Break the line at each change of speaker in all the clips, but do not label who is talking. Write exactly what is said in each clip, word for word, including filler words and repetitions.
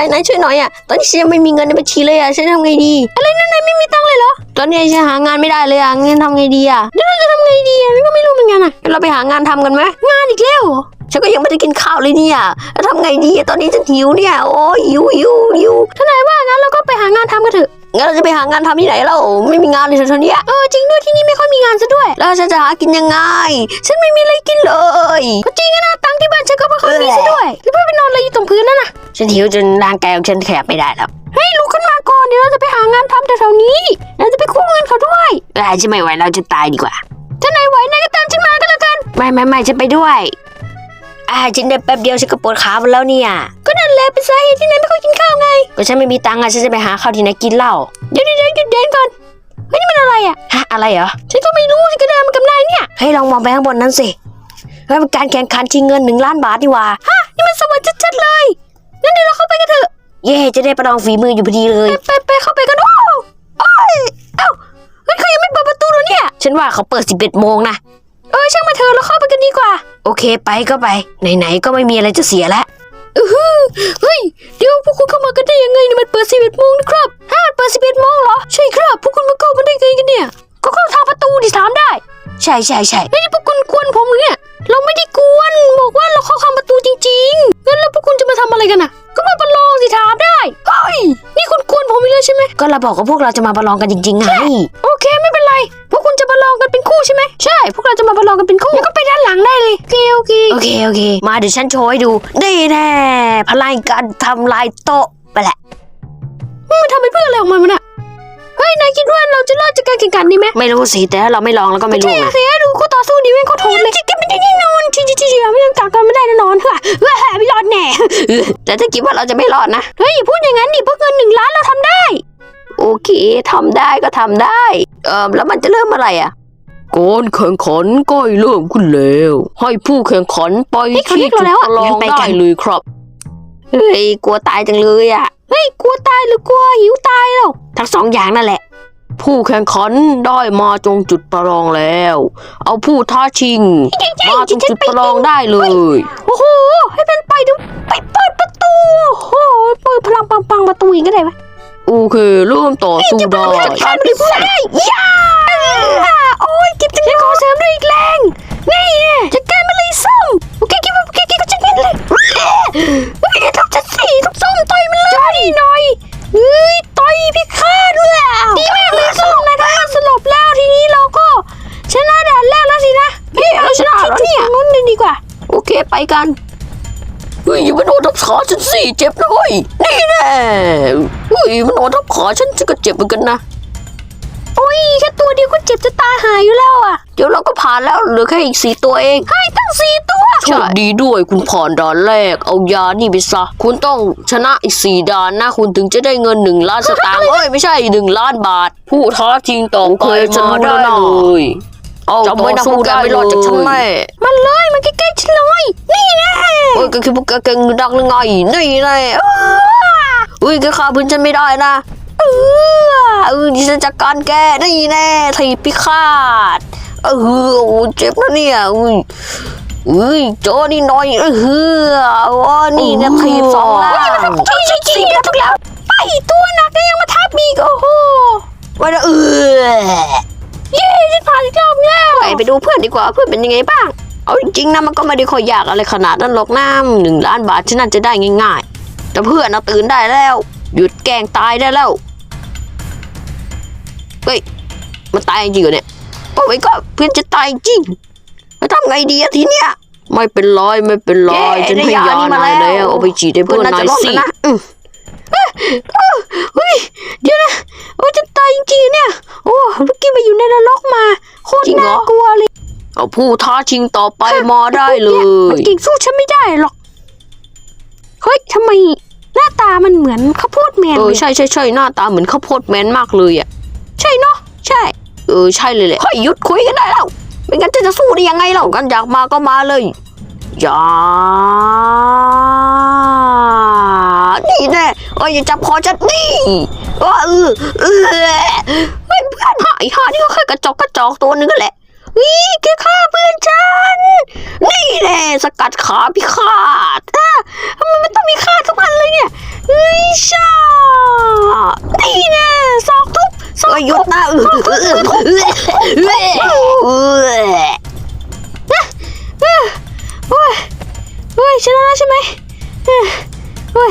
นายช่วยหน่อยอ่ะตอนนี้ฉันยังไม่มีเงินในบัญชีเลยอ่ะฉันทำไงดีอะไรนั่นนายไม่มีตังค์เลยเหรอตอนนี้ฉันหางานไม่ได้เลยอ่ะงั้นทำไงดีอ่ะเดี๋ยวเราจะทำไงดีอ่ะก็ไม่รู้เหมือนกันอ่ะเราไปหางานทำกันไหมงานอีกแล้วฉันก็ยังไม่ได้กินข้าวเลยเนี่ยแล้วทำไงดีตอนนี้ฉันหิวเนี่ยโอ้ยหิวหิวหิวถ้านายว่างั้นเราก็ไปหางานทำกันเถอะงั้นเราจะไปหางานทำที่ไหนเราไม่มีงานเลยตอนนี้เออจริงด้วยที่นี่ไม่ค่อยมีงานซะด้วยแล้วฉันจะหากินยังไงฉันไม่มีอะไรกินเลยก็จริงนะตังค์ที่บ้านฉันก็ไม่ค่อยมีซะด้วยแล้วไปนอนอะไรอยู่ตรงพื้นนั่นน่ะฉันหิวจนร่างกายของฉันแขบไม่ได้แล้วเฮ้ยลุกขึ้นมาก่อนเดี๋ยวเราจะไปหางานทำแถวๆนี้เราจะไปกู้เงินเขาด้วยเออฉันไม่ไหวเราจะตายดีกว่าถ้านายไหวนายก็ตามฉันมาก็แล้วกันไม่ไม่ไม่ฉันไปด้วยอ่าฉันได้แป๊บเดียวฉันก็ปวดขาหมดแล้วเนี่ยก็นั่นแหละเป็นสาเหตุที่นายไม่ค่อยกินข้าวไงก็ฉันไม่มีตังค์อ่ะฉันจะไปหาข้าวที่ไหนกินเล่าเดี๋ยวเดี๋ยวหยุดเดินก่อนเฮ้ยนี่มันอะไรอ่ะฮะอะไรเหรอฉันก็ไม่รู้ฉันก็เดินมากับนายเนี่ยให้ลองมองไปข้างบนนั้นสิเฮ้ยมันการแข่งขันชิงเงินหนึ่งล้านบาทนี่หว่าฮะนี่มันสวรรค์ชัดๆเลยงั้นเดี๋ยวเราเข้าไปกันเถอะเย่จะได้ประลองฝีมืออยู่พอดีเลยไปไปเข้าไปกันโอ้โอ้ยเอ้าเฮ้ยเขายังไม่เปิดประตูเลยเนี่ยฉันว่าเขาเปิดสิบเอ็ดโมงนะเออช่างมาเถอะเราเข้าไปกันดีกว่าโอเคไปก็ไปไหนๆก็ไม่มีอะไรจะเสียแล้วอือฮึเฮ้ยเดี๋ยวพวกคุณเข้ามากันได้ยังไงนี่มันเปิดสิบเอ็ดโมงนะครับฮะมันเปิดสิบเอ็ดโมงเหรอใช่ครับพวกคุณมาเข้ามาได้ไงกันเนี่ยก็เข้าทางประตูดิถามได้ใช่ใช่ใช่ไม่ใช่พวกคุณกวนผมเนี่ยเราไม่ได้กวนบอกว่าเราเข้าทางประตูจริงๆงั้นแล้วพวกคุณจะมาทำอะไรกันน่ะก็มาประลองสิถามได้เฮ้ยนี่คุณกวนผมอีกแล้วใช่ไหมก็เราบอกว่าพวกเราจะมาประลองกันจริงๆไงโอเคไม่เป็นไรพวกคุณจะประลองกันเป็นคู่ใช่ไหมใช่พวกเราจะมาประลองกันเป็นคู่แล้วก็ไปด้านหลังได้เลยโอเคโอเคโอเคโอเคมาเดี๋ยวฉันโชว์ให้ดูได้แน่พลังการทำลายโต๊ะไปแหละมันทำไปเพื่ออะไรของมันน่ะเฮ้ยนายคิดว่าเราจะรอดจากการแข่งขันนี้ไหมไม่รู้สิแต่ถ้าเราไม่ลองแล้วก็ไม่รู้นะเสียดูคู่ต่อสู้ดีเว้ยเขาโถดเลยจะไม่ได้แน่นอนที่ที่ที่ไม่ต้องกักกันไม่ได้แน่นอนเฮ้ยเฮ้ยไม่รอดแน่แต่ถ้าคิดว่าเราจะไม่รอดนะเฮ้ยอย่าพูดอย่างนั้นดิพวกเงินหนึ่งล้านเราทำได้โอเคทำได้ก็ทำได้เออแล้วมันจะเริ่มเมื่อไหร่อ่ะการแข่งขันใกล้เริ่มขึ้นแล้วให้ผู้แข่งขันไปที่จุดประลองได้เลยครับเฮ้ยกลัวตายจังเลยอ่ะเฮ้ยกลัวตายหรือกลัวหิวตายแล้วทั้งสองอย่างนั่นแหละผู้แข่งขันได้มาตรงจุดประลองแล้วเอาผู้ท้าชิงมาตรงจุดประลองได้เลยโอ้โหให้เป็นไปดูไปเปิดประตูโอ้โหเปิดพลังปังๆประตูอีกก็ได้ไหมโอเคเริ่มต่อสู้ได้ทำได้ได้ย่าโอ้ยเก็บจังเลยขอเสริมด้วยอีกแรงนี่จัดการมาเลยส้มโอเคคิดว่าโอเคคิดก็จะเงินเลยเฮ้ยทำจัดสีทุกส้มต่อยมันเลยนี่หน่อยเฮ้ยต่อยพี่ข้าด้วยดีมากเลยส้มนะถ้าสลบแล้วทีนี้เราก็ชนะด่านแรกแล้วสินะเฮ้ยเราชนะแล้วเนี่ยงั้นเลยดีกว่าโอเคไปกันเฮ้ยมันโดนทับขาฉันสิเจ็บเลยนี่แน่เฮ้ยมันโดนทับขาฉันฉันก็เจ็บเหมือนกันนะโอ้ยแค่ตัวเดียวก็เจ็บจะตาหายอยู่แล้วอ่ะเดี๋ยวเราก็ผ่านแล้วเหลือแค่อีกสี่ตัวเองให้ตั้งสี่ตัวโชคดีด้วยคุณผ่านด่านแรกเอายานี่ไปซะคุณต้องชนะอีกสี่ด่านนะคุณถึงจะได้เงินหนึ่งล้านสตางค์เอ้ยไม่ใช่หนึ่งล้านบาทผู้ท้าชิงต่อไปมาได้เลยเอาจำไว้นะพวกแกไม่รอดจากฉันแน่มันเลยมันใกล้ๆฉันเลยนี่แน่โอ้ยก็คือพวกแกเก่งดังหรือไงนี่แน่เฮ้ยแกฆ่าเพื่อนฉันไม่ได้นะเออเออดิฉันจัดการแกนี่แน่ทีพิฆาตเออโอ้เจ็บนะเนี่ยอุ้ยอุ้ยโจนี่น้อยเออโอ้นี่นะทีสองแล้วใช่ใช่สิบแล้วทุกแล้วไปตัวหนักก็ยังมาทับอีกโอ้โหวันละเออเย้ฉันผ่านอีกรอบแล้วไปไปดูเพื่อนดีกว่าเพื่อนเป็นยังไงบ้างเอาจริงๆนะมันก็ไม่ได้ค่อยยากอะไรขนาดนั้นหรอกน้ำหนึ่งล้านบาทฉันน่าจะได้ง่ายๆแต่เพื่อนน่ะตื่นได้แล้วหยุดแกล้งตายได้แล้วเฮ้ยมันตายจริงเหรอเนี่ยโอ้ยก็เพื่อนจะตายจริงจะทำไงดีอะทีเนี้ยไม่เป็นไรไม่เป็นไรฉันให้ยานายแล้วเอาไปฉีดให้เพื่อนนายสิเฮ้ยเดี๋ยวนะโอ้จะตายจริงๆเนี่ยโอ้เมื่อกี้ไปอยู่ในนรกมาโคตรน่ากลัวเลยเอาผู้ท้าชิงต่อไปมาได้เลยเก่งสู้ฉันไม่ได้หรอกเฮ้ยทำไมหน้าตามันเหมือนข้าวโพดแมนเออใช่ใช่ใช่หน้าตาเหมือนข้าวโพดแมนมากเลยอ่ะใช่เนาะใช่เออใช่เลยแหละเฮ้ยหยุดคุยกันได้แล้วไม่งั้นจะจะสู้ได้ยังไงเรากันอยากมาก็มาเลยอย่านี่แน่เอ้ยอย่าจับคอฉันนี่เออเออเออเฮ้ยเพื่อนหายหานี่ก็แค่กระจอกกระจอกตัวนึงก็แหละวิแกฆ่าเพื่อนฉันนี่แน่สกัดขาพิฆาตอ่ะทำไมมันต้องมีฆ่าทุกอันเลยเนี่ยเฮ้ย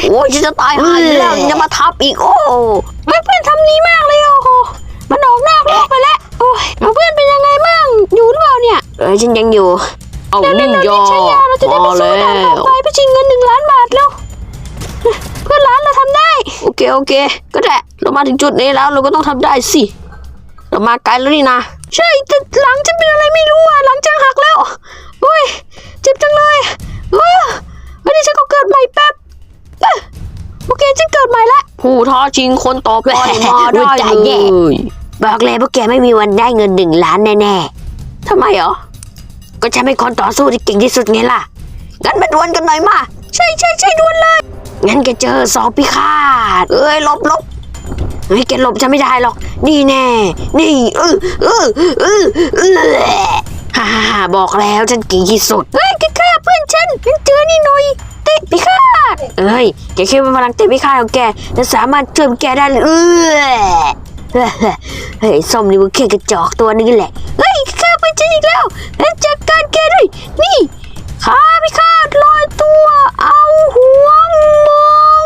โอ้ยฉันจะตายหายแล้วยังจะมาทับอีกโอ้ไม่เพื่อนทำนี้มากเลยโอ้โหมันออกนอกโลกไปแล้วโอ้ยเพื่อนเป็นยังไงบ้างอยู่หรือเปล่าเนี่ยเออฉันยังอยู่เอานี่ยอเราจะได้ไปสู้ด่านต่อไปไปชิงเงินหนึ่งล้านบาทแล้วเพื่อนร้านเราทำได้โอเคโอเคก็ได้เรามาถึงจุดนี้แล้วเราก็ต้องทำได้สิเรามาไกลแล้วนี่นะใช่แต่หลังฉันเป็นอะไรไม่รู้อ่ะหลังฉันหักแล้วโอ้ยเจ็บจังเลยเออวันนี้ฉันก็เกิดใหม่แป๊บโอเคฉันเกิดใหม่ละผู้ท้าชิงคนต่อไปมาได้เลยบอกเลยพวกแกไม่มีวันได้เงินหนึ่งล้านแน่ๆทำไมเหรอก็ฉันเป็นคนต่อสู้ที่เก่งที่สุดไงล่ะงั้นมาดวลกันหน่อยมาใช่ใช่ใช่ดวลเลยงั้นแกเจอสอบพิฆาตเอ้ยหลบหลบเฮ้ยแกหลบฉันไม่ได้หรอกนี่แน่นี่เออเออเออเออฮ่าฮ่าบอกแล้วฉันเก่งที่สุดเฮ้ยแกฆ่าเพื่อนฉันงั้นเจอนี่หน่อยเตะพิฆาตเอ้ยแกคิดว่าพลังเตะพิฆาตของแกจะสามารถช่วยแกได้หรือเออเฮ้ยส้มนี่มันแค่กระจอกตัวนึงแหละเฮ้ยฆ่าเพื่อนฉันอีกแล้วแล้วจัดการแกด้วยนี่ข้าพิฆาตลอยตัวเอาหัวมอง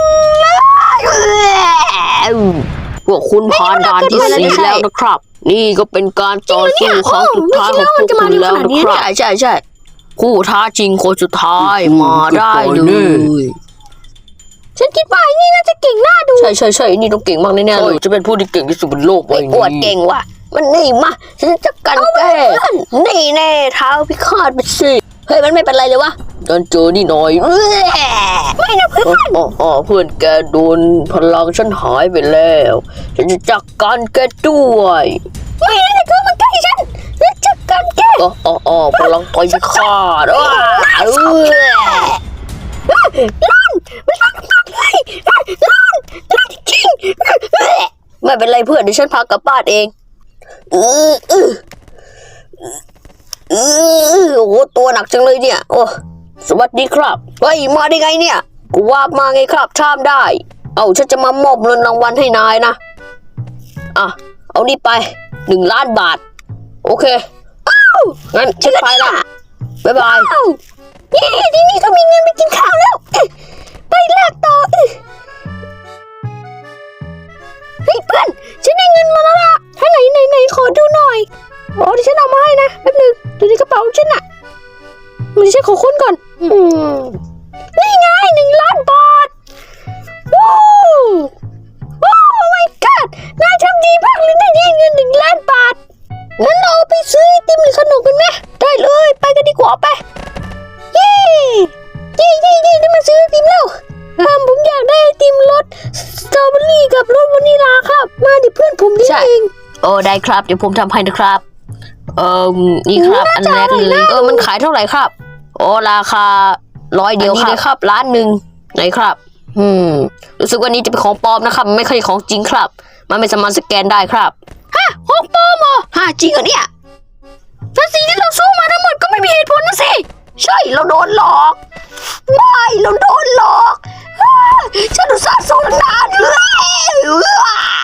เลยพวกคุณผ่านด่านที่สี่แล้วนะครับนี่ก็เป็นการต่อสู้ครั้งสุดท้ายของพวกคุณแล้วนะครับใช่ใช่ใช่คู่ท้าจริงคนสุดท้ายมาได้เลยฉันคิดว่าไอ้นี่น่าจะเก่งน่าดูใช่ใช่ใช่นี่ต้องเก่งมากแน่ๆเลยจะเป็นผู้ที่เก่งที่สุดบนโลกเลยปวดเก่งว่ะมันนี่มาฉันจะกันแกนี่แน่เท้าพิฆาตไปสิเฮ้ยมันไม่เป็นไรเลยวะโดนเจอนี่หน่อยไม่นะเพื่อนอ๋อเพื่อนแกโดนพลังฉันหายไปแล้วฉันจะจัดการแกด้วยไม่นะเธอมาใกล้ฉันฉันจัดการแกอ๋ออ๋อพลังต่อยพิฆาตว้าเออล้านมันล้านมากเลยล้านล้านจริงไม่เป็นไรเพื่อนเดี๋ยวฉันพากลับบ้านเองเออเออเออโอ้โหตัวหนักจังเลยเนี่ยโอ้สวัสดีครับเฮ้ยมาได้ไงเนี่ยกูว่ามาไงครับชามได้เอาฉันจะมามอบเงินรางวัลให้นายนะอ่ะเอานี่ไปหนึ่งล้านบาทโอเคอ้าวงั้นฉันไปละบ๊ายบายเย้ทีนี้ก็มีเงินไปกินข้าวแล้วไปลากต่อเฮ้ยเพื่อนฉันได้เงินมาแล้วล่ะถ้าไหนไหนไหนขอดูหน่อยอ๋อที่ฉันเอามาให้นะแป๊บนึงดูในกระเป๋าฉันน่ะมันฉันขอค้นก่อนอืมนี่ไงหนึ่งล้านบาทว้าวว้าว my god นายทำดีมากเลยได้เงินหนึ่งล้านบาทงั้นเราไปซื้อไอติมหรือขนมกันไหมได้เลยไปกันดีกว่าไปเย้เย้เย้เย้ได้มาซื้อไอติมแล้วอ่าผมอยากได้ไอติมรสสตรอเบอรี่กับรสวานิลาครับมาดิเพื่อนผมนี่เองโอ้ได้ครับเดี๋ยวผมทำให้นะครับเอ่อนี่ครับอันแรกเลยเออมันขายเท่าไหร่ครับโอ้ราคาร้อยเดียวครับนี่ครับล้านหนึ่งไหนครับอืมรู้สึกว่านี้จะเป็นของปลอมนะครับไม่ใช่ของจริงครับมันไม่สามารถสแกนได้ครับฮะของปลอมเหรอฮะจริงเหรอเนี่ยแต่สิ่งที่เราสู้มาทั้งหมดก็ไม่มีเหตุผลนะสิใช่เราโดนหลอกไม่เราโดนหลอกฉันอุตส่าห์สู้ตั้งนานเลย